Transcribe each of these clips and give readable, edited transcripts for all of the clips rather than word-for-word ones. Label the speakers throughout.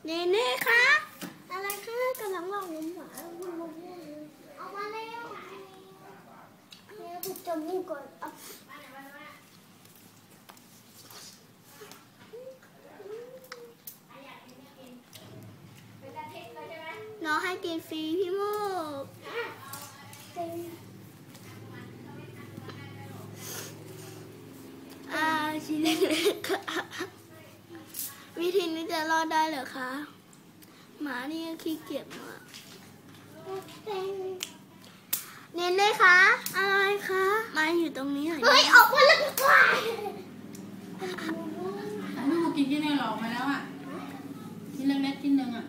Speaker 1: เนเน่คะอะไรคะกำลังลองน้ำหวานเอามาแล้วเนี่ยถูกจมูกก่อนน้องให้กินฟรีพี่มูกชิ้นเล็กๆค่ะวิธีนี้จะรอดได้เหรอคะหมานี่ขี้เกียจมากเนเน่คะอะไรคะมาอยู่ตรงนี้เหรอเฮ้ยออกมาแล้วกว่า
Speaker 2: ไม่มากินที่ไหนหรอกมาแล้วอ่ะชิ้นเล็กๆชิ้นหนึ่งอ่ะ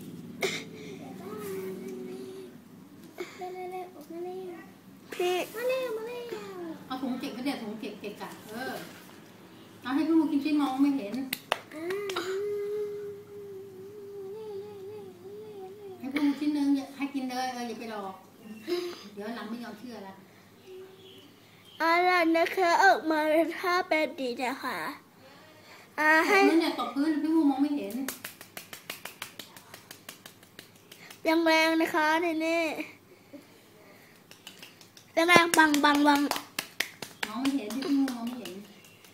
Speaker 1: พี่มาเร็ว
Speaker 2: เอาถุงเก็บก็เดี๋ยวถุงเก็บกะเอาให้พี่มูกินชิ้นมองไม่เห็นให้พี่มูชิ้นหนึ่งให้กินเลยอย่าไปรอเดี๋ยวหลังไม่ยอมเชื่อละ
Speaker 1: อะไรนะคะออกมาถ้าเป็นดีนะคะให้
Speaker 2: นั่นเนี่ยตกพื้นพี่มูมองไม่เห็น
Speaker 1: แรงๆนะคะเนเน่แรงๆบัง
Speaker 2: มองไม่เห็นพี่มูมองไม่เห็น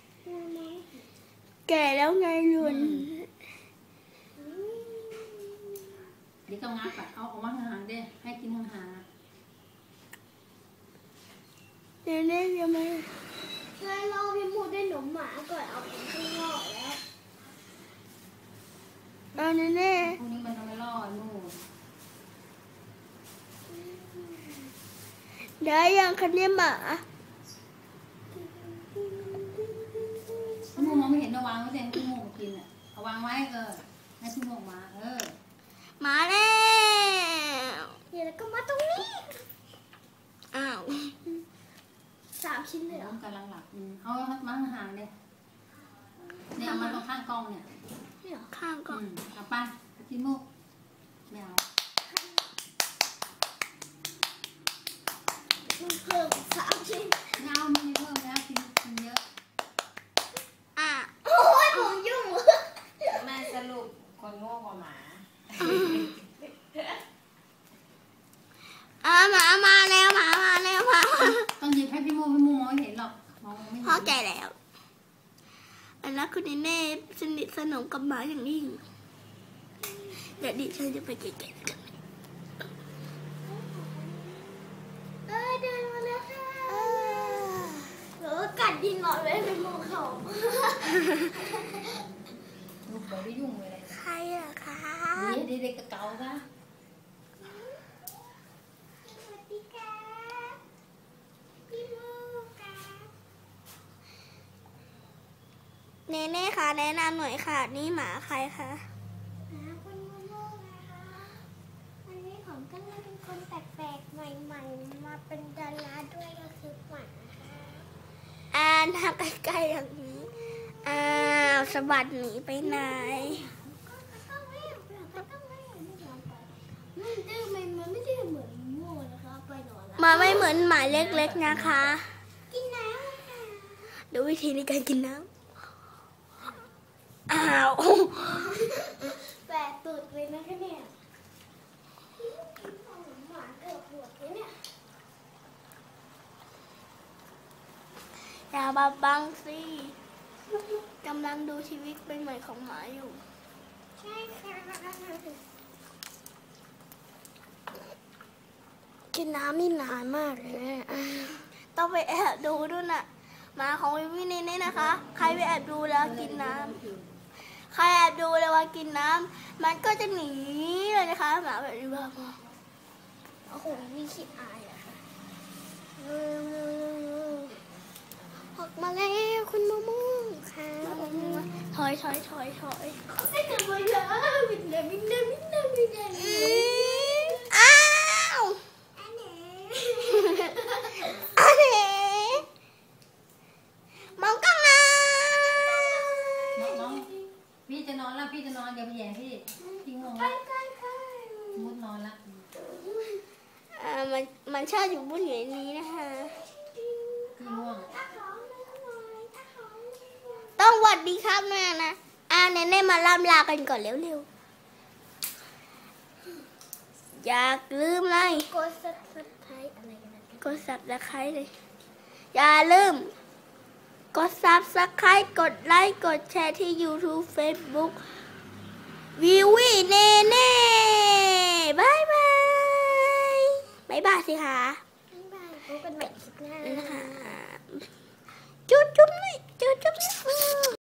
Speaker 1: แก่แล้วไงลุน
Speaker 2: เดี๋ยวก็งับเอาออกมาห่างๆเด้ให้กินห่าง
Speaker 1: ๆเนเน่ยังไม่ให้รอพี่มูได้หนมหมาก่อนเอาไปข้างนอกแล้วเนเน่
Speaker 2: พวกนี้มันทำไม่รอดมู
Speaker 1: ได้ยังคะเนี่ยหมา
Speaker 2: พี่มูมองไม่เห็นเอาวางไว้เองพี่มูกินอ่ะเอาวางไว้ให้พี่มูมา
Speaker 1: มาแล้วเดี๋ยวก็มาตรงนี้อ้าว3 ชิ้นเลยเหร
Speaker 2: อกำลังหลับเอามาห่างๆเนี่ยเอามาตรงข้างกล้องเนี่ย
Speaker 1: ข้างกล้อง
Speaker 2: เอาไปพี่มูไม่เอา
Speaker 1: มันเพิ่ม3 ชิ้น
Speaker 2: ไม่เอาไม่เพิ่มแล้วกินเยอะ
Speaker 1: โอ้ยผมยุ่ง
Speaker 3: แม่สรุปคนโง่กว่าหมา
Speaker 1: หมามาแล้วหมามาแล้วหมา
Speaker 2: ต้องยืนให้พี่มูมองไม่เห็นหรอกมองไม่เห็น
Speaker 1: เข้าใจแล้วอันนั้นคุณเน่สนิทสนมกับหมาอย่างยิ่งเดี๋ยวดิฉันจะไปเก็บกันเดินมาแล้วค่ะกัดดินหน่อยเลยเป็นโมเขา
Speaker 2: ลูกบอกได้ยุ่งเลย
Speaker 1: ใครอะคะ
Speaker 2: เด็กๆเก่าๆค่ะ
Speaker 1: สวัสดีค่ะพี่มูค่ะเนเน่ค่ะแนะนำหน่อยค่ะนี่หมาใครคะหมาคุณมูนะคะวันนี้ผมก็เลยเป็นคนแปลกๆใหม่ๆมาเป็นดาราด้วยก็คือหมาทางใกล้ๆอย่างนี้สะบัดหนีไปไหนมาไม่เหมือนหมาเล็กๆนะคะกินน้ำดูวิธีในการกินน้ำแปะตูดเลยนะคะเนี่ยหมาเกือบหัวเลยเนี่ยอย่าบังสิกำลังดูชีวิตเป็นใหม่ของหมาอยู่ใช่ค่ะกินน้ำนี่นานมากเลยต้องไปแอบดูด้วยน่ะหมาของวินี่นี่นะคะใครไปแอบดูแล้วกินน้ำใครแอบดูแล้วว่ากินน้ำมันก็จะหนีเลยนะคะหมาแบบนี้บ้าโอ้โหนี่ขี้อายอะค่ะออกมาแล้วคุณมะม่วงค่ะถอยไม่กลับมาแล้วมิดเลยอ้าวอันนี้มองกล้องนะ
Speaker 2: น้องพี่จะนอนแล้วพี่จะนอนอย่าไปแย่พี่งงมุดนอนละ
Speaker 1: มันชอบอยู่บนเหนือนี้นะคะ
Speaker 2: พี่ง่วง
Speaker 1: ต้องหวัดดีครับแม่นะเนเน่มาล่ำลากันก่อนเร็วอย่าลืมเลย
Speaker 4: กด subscribe อะไรกันนะ
Speaker 1: กด subscribe เลยอย่าลืมกด subscribe กดไลค์กดแชร์ที่ YouTube Facebook วิวีเนเน่บายบายบายบายสิคะ
Speaker 4: บ๊ายบายพบกันใหม่คลิปหน้า
Speaker 1: นะคะจุ๊บจุ๊บนี่จุ๊บจุ๊บนี่